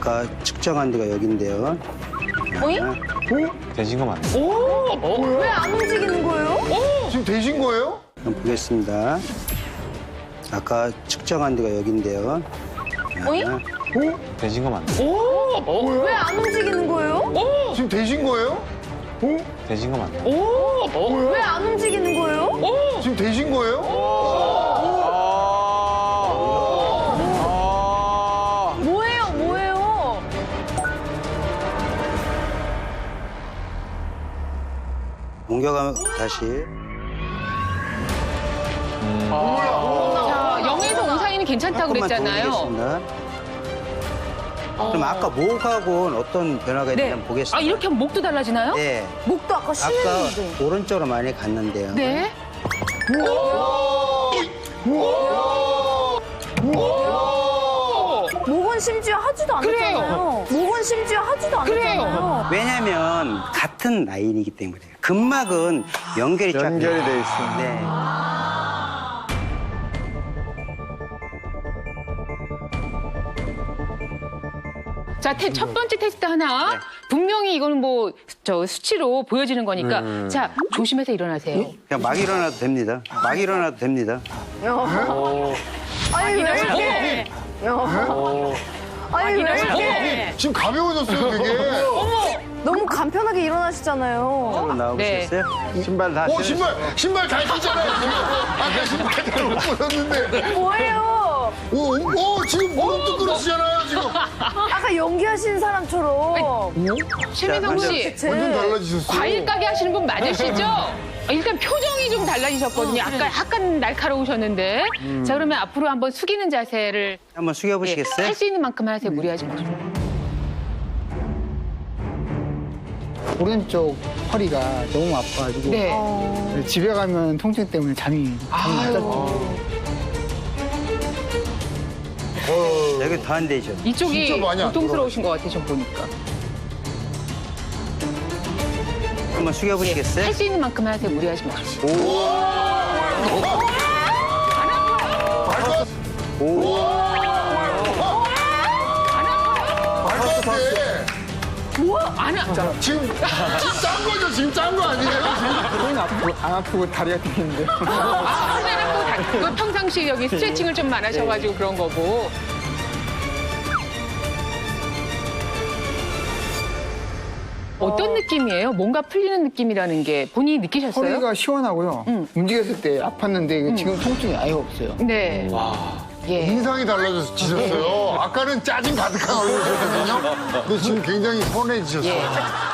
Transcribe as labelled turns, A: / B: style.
A: 아까 측정한 데가 여긴데요.
B: 어이?
C: 되신 거 맞네.
B: 왜 안 움직이는 거예요?
D: 지금 되신 거예요?
A: 한번 보겠습니다. 아까 측정한 데가 여긴데요.
B: 어이?
C: 되신 거 맞네.
B: 왜 안 움직이는 거예요?
D: 지금 되신 거예요?
C: 되신 거 맞네.
B: 왜 안 움직이는 거예요?
D: 지금 되신 거예요?
B: 뭐예요, 뭐예요?
A: 옮겨가면 다시.
E: 자, 0에서 5 사이는 괜찮다고
A: 조금만 더
E: 그랬잖아요.
A: 올리겠습니다. 그럼 아까 목하고는 어떤 변화가 있는지 한번
E: 아,
A: 보겠습니다.
E: 이렇게 하면 목도 달라지나요?
A: 네.
B: 목도 아까
A: 아까
B: 쉬는데.
A: 오른쪽으로 많이 갔는데요.
E: 네.
B: 목은 심지어 하지도 않았잖아요. 목은 심지어 하지도 않았잖아요.
A: 왜냐면 같은 라인이기 때문에요. 근막은 연결이 쫙
C: 연결이 돼 있어.
A: 네.
E: 자, 첫 번째 테스트 하나.
A: 네.
E: 분명히 이거는 뭐, 수치로 보여지는 거니까. 자, 조심해서 일어나세요.
A: 그냥 막 일어나도 됩니다. 막 일어나도 됩니다.
B: 아니, 왜 이렇게. 아니, 왜 이렇게.
D: 지금 가벼워졌어요, 되게.
B: 너무 간편하게 일어나시잖아요.
A: 앞으로 나오시겠어요? 신발 다
D: 신발 잘 신잖아요. 아까 신발 잘못 벗었는데.
B: 뭐예요?
D: 지금 무릎도 꿇으시잖아요, 지금.
B: 아까 연기하시는 사람처럼.
E: 최민성 씨,
D: 완전 달라지셨어요.
E: 과일 가게 하시는 분 맞으시죠? 일단 표정이 좀 달라지셨거든요. 아까 약간 날카로우셨는데. 자, 그러면 앞으로 한번 숙이는 자세를
A: 한번 숙여보시겠어요?
E: 할 수 있는 만큼 하세요. 무리하지 마시고.
F: 오른쪽 허리가 너무 아파가지고
E: 네.
F: 집에 가면 통증 때문에 잠이 못 잤죠.
A: 여기 더 안 되죠?
E: 이쪽이
D: 진짜 많이 안
E: 고통스러우신 것 같아요, 좀 보니까.
A: 한번 숙여보시겠어요?
E: 할 수 있는 만큼 하세요. 무리하지 마시고. 안 아,
D: 지금 짠 거죠? 지금 짠 거 아니에요?
F: 손이 안 아프고 다리가 뛰는데.
E: 그 평상시 여기 스트레칭을 좀 안 하셔가지고 그런 거고. 어떤 느낌이에요? 뭔가 풀리는 느낌이라는 게 본인이 느끼셨어요?
F: 허리가 시원하고요. 움직였을 때 아팠는데 지금 통증이 아예 없어요.
E: 네. 예.
D: 인상이 달라지셨어요. 아까는 짜증 가득한 얼굴이셨거든요. 근데 지금 굉장히 선해지셨어요.
E: 예.